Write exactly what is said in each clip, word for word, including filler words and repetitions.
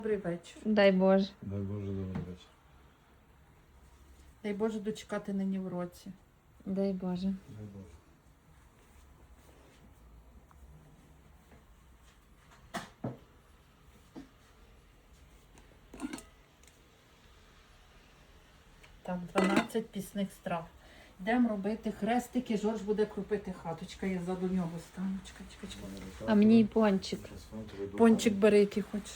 Добрий вечір. Дай Боже. Дай Боже, добрий вечір. Дай Боже дочекати нині в році. Дай Боже. Дай Боже. Так, дванадцять пісних страв. Йдемо робити хрестики, Жорж буде крупити хаточка, я ззаду нього стану. Чекай, чекай, чекай. А мені і пончик. Пончик бери, який хочеш.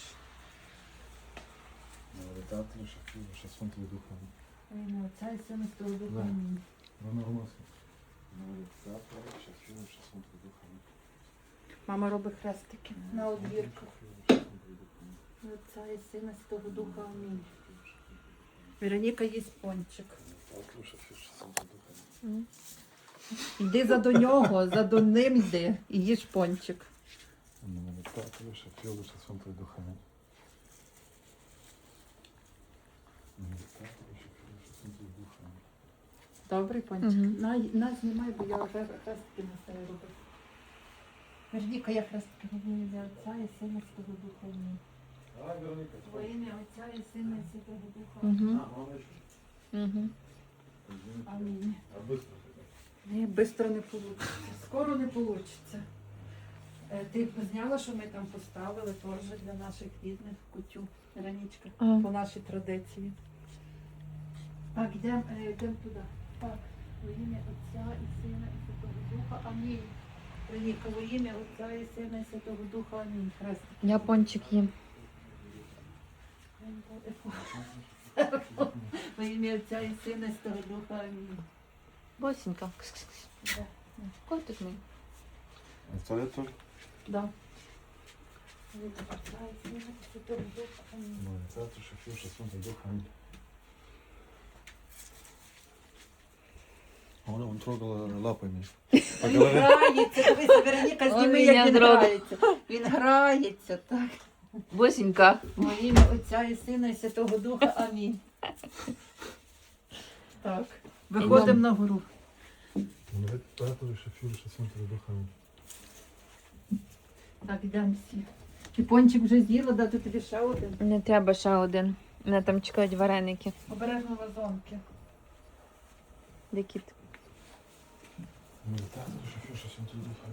Навіть шафів, шасфонтовий духа. Ой, Отця і Сина і Святого Духа. Да. Амінь. Вона маска. Навіть шафів, шасфонтовий духа. Мама робить хрестики на одвірках. Отця і Сина і Святого Духа. Амінь. Вероніка їсть пончик. Йди за до нього, за до ним йди і їж пончик. Навіть шафів, шасфонтовий духа. Добрий пончик. Мгм. На, на, знімай, бо я вже хрестики на себе роблю. Вероніка, я хрестики роблю ім'я Отця і Сина і Святого Духа. Амінь. Во ім'я Отця і Сина і Святого Духа. Угу. Угу. Амінь. А быстро? Ні, швидко не вийде. Скоро не вийде. Ти зняла, що ми там поставили теж для наших рідних кутю, Ранічка, А. по нашій традиції. Так, йдемо йдем туди. Так, во ім'я Отця і Сина і Святого Духа. Амінь. Раніка, во ім'я Отця і Сина і Святого Духа. Амінь. Хрестик. Я пончик їм. Во ім'я Отця і Сина і Святого Духа. Амінь. Босенька. Да. Котик мій. А це я теж? Да. Во ім'я Отця і Сина і Святого Духа. Амінь. Навіть шафів, шасфонтовий духа. Вона вон трогала лапами. Він грається, дивися, Вероніка, зніми, Ой, як я він дрога. грається. Він грається, так. Босенька. Во ім'я Отця і Сина і Святого Духа. Амінь. Так. Виходимо на гору. Навіть шафів, шасфонтовий духа. Так, йдемо всі. Ти пончик вже з'їла, дати тобі ще один. Не треба ще один. Мене там чекають вареники. Обережно вазонки. Де кіт? Навіть шафів, шасфонтовий духа.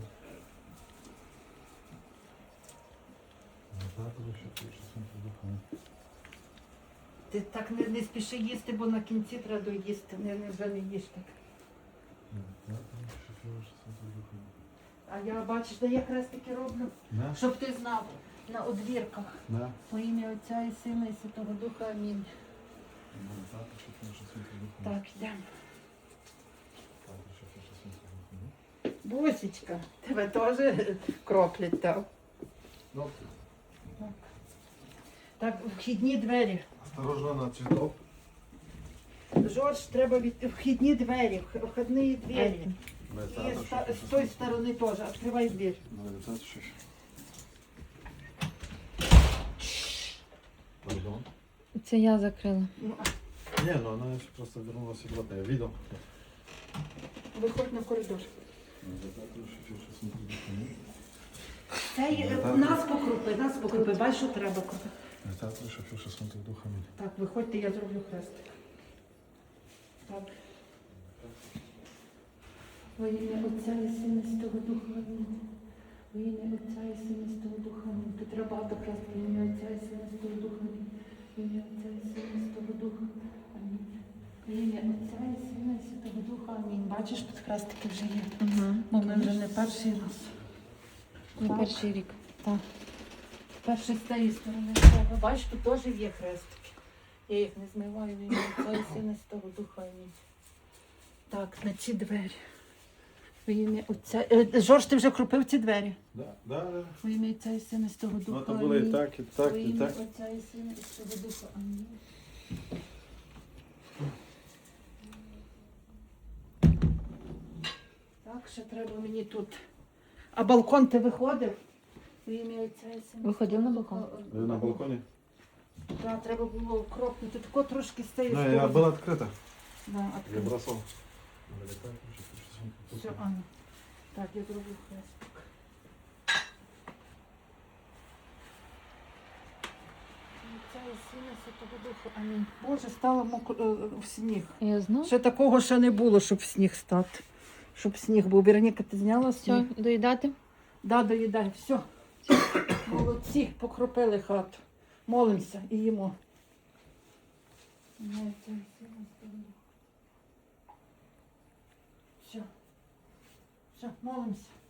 Навіть шафів, шасфонтовий духа. Ти так не, не спіши їсти, бо на кінці треба доїсти. Не, не, вже не їж так. Навіть шафів, шасфонтовий духа. А я, бачиш, де я хрестики роблю, На? щоб ти знав, на одвірках. На? Во ім'я Отця і Сина і Святого Духа. Амінь. Навіть шафів, шасфонтовий духа. Так, йдемо. Навіть шафів, шасфонтовий духа. Бусечка, тебе теж кроплять там. Ну, Так, вхідні двері. осторожно на цветок. Жорж, треба від вхідні двері, вх- вхідні двері. І Навіть з, та- з тої сторони теж. Відкривай двір. Навіть шафів. Пардон. Це я закрила. Ну, Не, ну она еще просто вернулась обратно. Я видел. виходь на коридор. Навіть шафів, шасфонтовий духа. Це є- нас покрупи, нас покрупи. Бачиш, що треба крупи. Навіть шафів, шасфонтовий духа. Так, виходьте, я зроблю хрестик. Так. Во ім'я Отця і Сина і Святого Духа. Амінь. Во ім'я Отця і Сина і Святого Духа. Амінь. Тут треба багато хрестиків. Во ім'я Отця і Сина і Святого Духа. Амінь. Во ім'я Отця і Сина і Святого Духа. Амінь. Во ім'я Отця і Сина і Святого Духа. Амінь. Бачиш, тут хрестики вже є. Угу. Бо ми вже не перший раз. Не Так. перший рік. Так. Перший з цієї сторони треба. Бачиш, тут теж є хрестики. Я їх не змиваю, в ім'я Отця і Сина і Святого Духа. Амінь. Так, на ці двері. В ім'я Отця. Е, Жорж, ти вже крупив ці двері? Да, да, да. В ім'я Отця і Сина і Святого Ну, Духа. это было и Амінь. так, и так, Во и ім'я так. Отця і Сина і Святого Духа. Амінь. Так, ще треба мені тут. А балкон ти виходив? В ім'я Отця і Сина. і Виходив на Святого балкон? Духа. Вы на балконе? Так, треба було кропнути. Тако трошки з цієї Ну, сторони. я было открыто. Да, Я відкрив. бросал. Навіть шафів, шасфонтовий Все, духа. Аня. Так, я зроблю хрестик. і Сина, і Святого Духа. Амінь. Боже, стало мокро е, в сніг. Я знаю. Ще такого ще не було, щоб в сніг стати. Щоб сніг був. Вероніка, ти зняла сніг? Все, доїдати? Да, доїдай. Все. Молодці, покропили хату. Молимося і їмо. Ім'я Отця і Сина, і Святого Духа. Все. Все, молимося.